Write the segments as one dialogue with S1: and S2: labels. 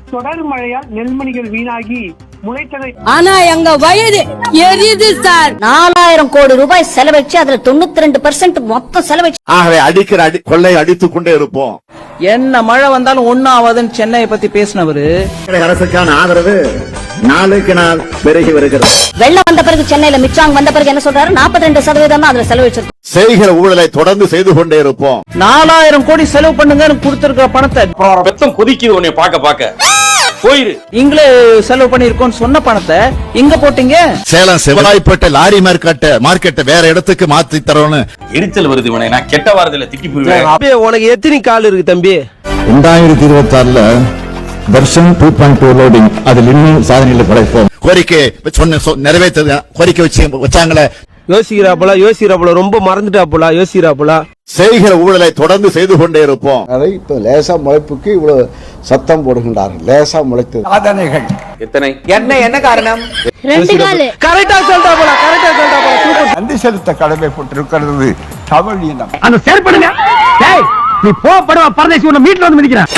S1: தொடர் மழையால் நெல்மணிகள் வீணாகி முளைத்ததை
S2: ஆனா எங்க வயது எரியுது சார். 4000 கோடி ரூபாய் செலவழிச்சு அதுல 92% மொத்தம் செலவழிச்சு.
S3: ஆகவே அடிக்கிற கொள்ளை அடித்துக் கொண்டே இருப்போம்.
S4: என்ன மழை வந்தாலும் ஒன்னும் ஆகாதுன்னு சென்னையை பத்தி பேசினவரு.
S3: அரசுக்கான ஆதரவு நாளுக்கு நாள் பெருகி வருகிறது.
S2: வெள்ளம் வந்த பிறகு சென்னையில மிச்சாங் வந்த பிறகு என்ன சொல்றாரு? 42% தான் அதுல செலவழிச்சிருக்கு.
S3: செய்கிற ஊழலை தொடர்ந்து செய்து கொண்டே இருப்போம்.
S4: 4000 கோடி செலவு பண்ணுங்க கொடுத்திருக்கிற பணத்தை
S5: பெத்தம் கொதிக்குது உன்னை பாக்க போயிரு.
S4: நீங்களே செலவு பண்ணிருக்கோம் சொன்ன பணத்தை எங்க போட்டீங்க?
S3: சேலம் செவலாய்ப்பட்ட லாரி மார்க்கெட்டை வேற இடத்துக்கு மாத்தி தரோன்னு
S5: எரிச்சல் வருது உனக்கு. நான் கெட்ட வாரத்துல திட்டி போயிருவேன்.
S6: உனக்கு எத்தனை கால் இருக்கு தம்பி?
S3: 2026 வெர்ஷன் 2.2 லோடிங் அதில் இன்னும் சாதனையில் படைப்போம். கோரிக்கை நிறைவேற்ற கோரிக்கை வச்சாங்களே.
S6: யோசிக்கிறாப்புல ரொம்ப மறந்துட்டாப்புல யோசிக்கிறாப்புல.
S3: செய்கிற ஊழலை தொடர்ந்து செய்து கொண்டே இருப்போம்.
S7: அதை இப்ப லேசா முளைப்புக்கு இவ்வளவு சத்தம் போடுகின்றார்கள். லேசா முளைத்தது சாதனைகள்
S5: எத்தனை
S6: என்ன காரணம்?
S2: 2 கால்
S6: கரெக்டா சொல்றாப்புல.
S7: நன்றி செலுத்த கடமைப்பட்டிருக்கிறது தமிழ் இனம்.
S1: அந்த செயற்படுங்க. நீ போடுவா பரதேசி உன்னை வீட்டுல வந்து மிதிக்கிறான்.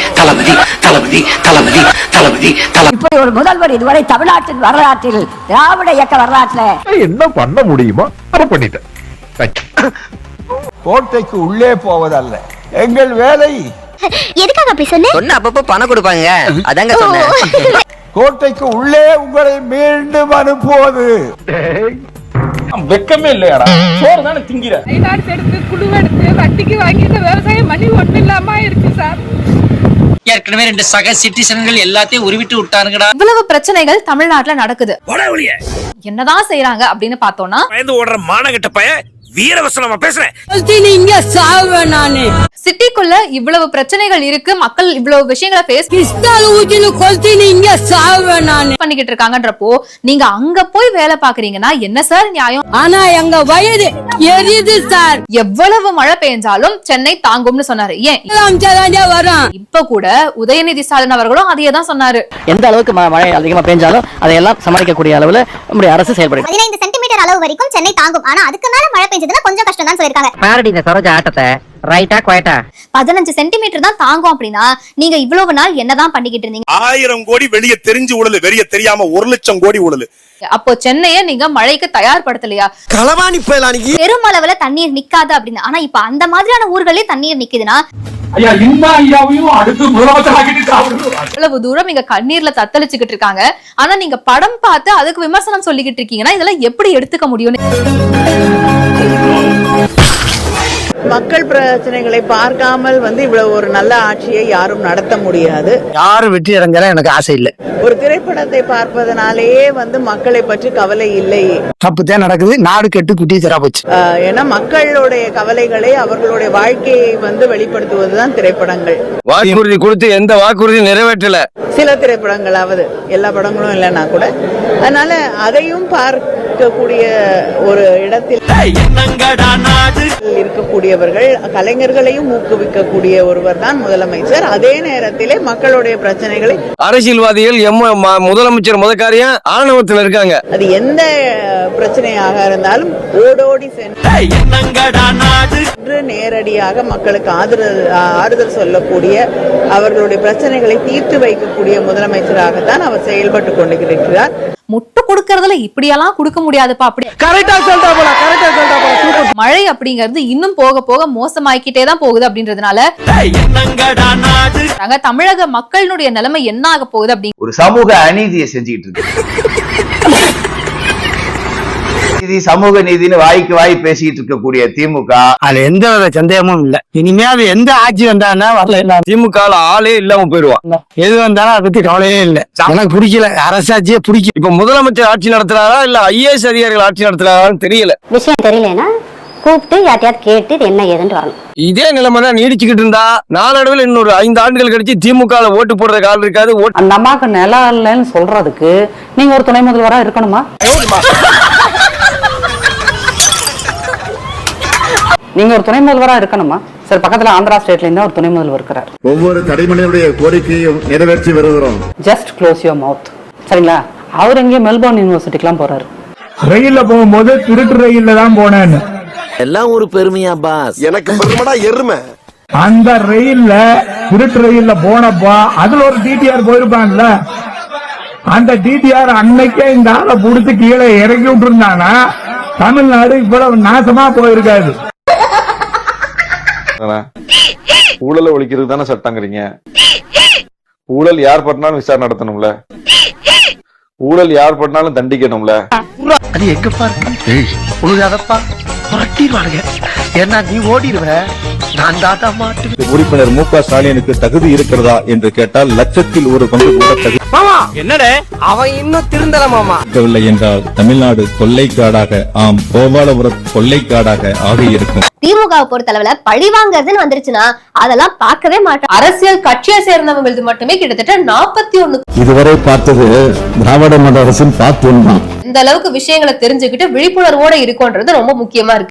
S2: இப்படி ஒரு முதல்வர் இதுவரை தமிழ்நாட்டின் வரலாற்றில் திராவிட இயக்க வரலாற்றில்
S8: என்ன பண்ண முடியுமோ அதை பண்ணிட்டேன்.
S7: கோட்டைக்கு உள்ளே போவதல்ல எங்கள் வேலை.
S2: எதுக்காக அப்படி சொன்ன?
S4: அப்பப்போ பணம் கொடுப்பாங்க அதாங்க சொன்னேன்.
S7: கோட்டைக்கு உள்ளே உங்களை மீண்டும் அனுப்புவது.
S5: வெக்கமே இல்லையாடா? சோறு தானே திங்கிற.
S9: எடுத்து குழுவெடுத்து வட்டிக்கு வாங்கி இந்த விவசாயம் பண்ணி ஒண்ணு இல்லாம இருக்கு சார்.
S4: ஏற்கனவே 2 சக சிட்டிசன்கள் எல்லாத்தையும் உருவிட்டு விட்டானுங்கடா.
S9: இவ்வளவு பிரச்சனைகள் தமிழ்நாட்டுல நடக்குது. என்னதான் செய்யறாங்க அப்படின்னு பார்த்தோம்னா
S6: ஓடுற மானகட்ட பையன் வீரவசனமா பேசுறேன்.
S9: சிட்டிக்குள்ள இவ்வளவு பிரச்சனைகள் இருக்கு. மக்கள் இவ்வளவு விஷயங்களை ஃபேஸ் பண்ணிக்கிட்டு இருக்காங்கன்றப்போ நீங்க அங்க போய் வேலை பாக்குறீங்கன்னா என்ன சார் நியாயம்?
S2: ஆனா எங்க வயது எரியுது சார்.
S9: எவ்வளவு மழை பெய்ஞ்சாலும் சென்னை தாங்கும்னு சொன்னாரு. ஏன் இப்ப கூட உதயநிதி ஸ்டாலின் அவர்களும் அதையே தான் சொன்னாரு.
S4: எந்த அளவுக்கு மழை அதிகமா பெஞ்சாலும் அதையெல்லாம் சமாளிக்கக்கூடிய அளவுல நம்முடைய அரசு செயல்படும்.
S10: 15 சென்டிமீட்டர் அளவு வரைக்கும் சென்னை தாங்கும். ஆனா அதுக்கு மேல மழை பெஞ்சதுன்னா கொஞ்சம் கஷ்டம் தான் சொல்லிருக்காங்க.
S4: பாரடி இந்த சரோஜா ஆட்டத்தை ரைட்டா குவைட்டா
S10: 15 சென்டிமீட்டர் தான் தாங்கும் அப்படின்னா நீங்க இவ்வளவு நாள் என்னதான் பண்ணிக்கிட்டு இருந்தீங்க?
S8: 1000 கோடி வெளியே தெரிஞ்சு ஊழல், வெளியே தெரியாம 1 லட்சம் கோடி ஊழல்.
S9: அப்போ சென்னையை நீங்க மழைக்கு தயார்படுத்தலையா?
S6: களவாணி பயலானிக்கு
S10: பெருமளவுல தண்ணீர் நிக்காது அப்படின்னு. ஆனா இப்ப அந்த மாதிரியான ஊர்களே தண்ணீர் நிக்குதுன்னா
S9: இவ்வளவு தூரம் இங்க கண்ணீர்ல தத்தளிச்சுக்கிட்டு இருக்காங்க. ஆனா நீங்க படம் பார்த்து அதுக்கு விமர்சனம் சொல்லிக்கிட்டு இருக்கீங்கன்னா இதெல்லாம் எப்படி எடுத்துக்க முடியும்?
S4: மக்கள் பிரச்சனைகளை பார்க்காமல் இவ்வளவு ஒரு நல்ல ஆட்சியை யாரும் நடத்த முடியாது.
S6: யாரும் வெற்றி இறங்கல எனக்கு ஆசை இல்ல.
S4: ஒரு திரைப்படத்தை பார்ப்பதனாலேயே மக்களை பற்றி கவலை இல்லை.
S6: தப்புதான் நடக்குது. நாடு கெட்டு குட்டி தரா போச்சு.
S4: ஏன்னா மக்களுடைய கவலைகளை அவர்களுடைய வாழ்க்கையை வெளிப்படுத்துவதுதான் திரைப்படங்கள்.
S6: வாக்குறுதி கொடுத்து எந்த வாக்குறுதி நிறைவேற்றல.
S4: சில திரைப்படங்களாவது, எல்லா படங்களும் இல்லைன்னா கூட. அதனால அதையும் பார்க்கக்கூடிய ஒரு இடத்தில் இருக்கக்கூடியவர்கள், கலைஞர்களையும் ஊக்குவிக்கக்கூடிய ஒருவர் தான் முதலமைச்சர். அதே நேரத்திலே மக்களுடைய பிரச்சனைகளை
S6: அரசியல்வாதிகள் முதலமைச்சர் முதற்காரியம் ஆணவத்தில் இருக்காங்க.
S4: அது எந்த பிரச்சனையாக இருந்தாலும் ஓடோடி சென்று நேரடியாக மக்களுக்கு ஆறுதல் சொல்லக்கூடிய, அவர்களுடைய பிரச்சனைகளை தீர்த்து வைக்கக்கூடிய முதலமைச்சராகத்தான் அவர் செயல்பட்டு கொண்டிருக்கிறார்.
S9: முட்டு கொடுக்கறதுல இப்படியெல்லாம் கொடுக்க முடியாதுப்பா. அப்படி மழை அப்படிங்கிறது இன்னும் போக போக மோசமாக்கிட்டே தான் போகுது. அப்படின்றதுனால தமிழக மக்களுடைய நிலைமை என்ன ஆக போகுது அப்படி
S5: ஒரு சமூக அநீதியை செஞ்சுக்கிட்டு இருக்கு. சமூக நீதினு வாய்க்கு வாய் பேசிட்டு இருக்கக்கூடிய திமுக
S6: அதுல எந்த சந்தேகமும் இல்ல. இனிமே அது எந்த ஆட்சி வந்தாலும் வரல. திமுக ஆளே இல்லாம போயிருவான். எது வந்தாலும் அதை பத்தி கவலையே இல்ல. எனக்கு பிடிக்கல, அரசாட்சியே பிடிக்கும். இப்ப முதலமைச்சர் ஆட்சி நடத்துறாரா இல்ல IAS அதிகாரிகள் ஆட்சி நடத்துறாரான்னு தெரியல.
S10: விஷயம் தெரியலன்னா கூப்பிட்டு யார்ட்டையாவது கேட்டு என்ன ஏதுன்னு வரணும்.
S6: இதே நிலைமை தான் நீடிச்சுக்கிட்டு இருந்தா நாளடைவில் இன்னொரு 5 ஆண்டுகள் கழிச்சு திமுக ஓட்டு போடுற கால் இருக்காது.
S4: அந்த அம்மாக்கு நிலம் இல்லைன்னு சொல்றதுக்கு நீங்க ஒரு துணை முதல்வரா இருக்கணுமா? நீங்க ஒரு துணை முதல்வரா இருக்கணுமா? சார், பக்கத்துல ஆந்திரா ஸ்டேட்ல இருந்தா ஒரு துணை முதல்வர் இருக்கிறார்.
S3: ஒவ்வொரு தடைமனியுடைய கோரிக்கையும் நிறைவேற்றி வருகிறோம்.
S4: Just close your mouth. சரிங்களா? அவர் எங்கேயும் மெல்போர்ன் யூனிவர்சிட்டிக்கு போறாரு.
S1: ரயில்ல போகும்போது திருட்டு ரயில்ல தான் போனேன்னு
S6: எல்லாம் ஒரு பெருமையா பாஸ்? எனக்கு பெருமைடா எருமை.
S1: அந்த ரயில்ல திருட்டு ரயில்ல போனப்போ அதுல ஒரு டிடிஆர் போயிருப்பான்ல, அந்த டிடிஆர் அன்னைக்கே இந்த ஆளை புடிச்சு கீழே இறக்கி விட்டுருந்தானா தமிழ்நாடு இவ்வளவு நாசமா போயிருக்காது.
S11: ஊழலை ஒழிக்கிறது தானே சட்டங்கிறீங்க. ஊழல் யார் பண்ணாலும் விசாரணை நடத்தணும்ல, ஊழல் யார் பண்ணாலும் தண்டிக்கணும்ல.
S1: அது எங்கப்பா இருக்கு? உழுதாதப்பா புரட்டிடுவானுங்க. ஏன்னா நீ ஓடிடுவ, நான் தாத்தா மாட்டு.
S3: உறுப்பினர் மு.க. ஸ்டாலினுக்கு தகுதி இருக்கிறதா என்று கேட்டால் லட்சத்தில் ஒரு பங்கு கூட தகுதி
S6: என்னடே அவன் இன்னும் திருந்தல மாமா
S3: இருக்கவில்லை என்றால் தமிழ்நாடு கொள்ளைக்காடாக, ஆம் கோபாலபுரம் கொள்ளைக்காடாக ஆகியிருக்கும்.
S10: திமுகவை பொறுத்தளவுல பழி வாங்குறதுன்னு வந்துருச்சுன்னா அதெல்லாம் பார்க்கவே மாட்டோம்.
S9: அரசியல் கட்சியை சேர்ந்தவங்களுக்கு மட்டுமே கிட்டத்தட்ட 41
S3: இதுவரை பார்த்தது திராவிட மாடல் அரசின் பார்ட் 1 தான்.
S9: இந்த அளவுக்கு விஷயங்களை தெரிஞ்சுக்கிட்டு விழிப்புணர்வோட இருக்கும்ன்றது ரொம்ப முக்கியமா இருக்கு.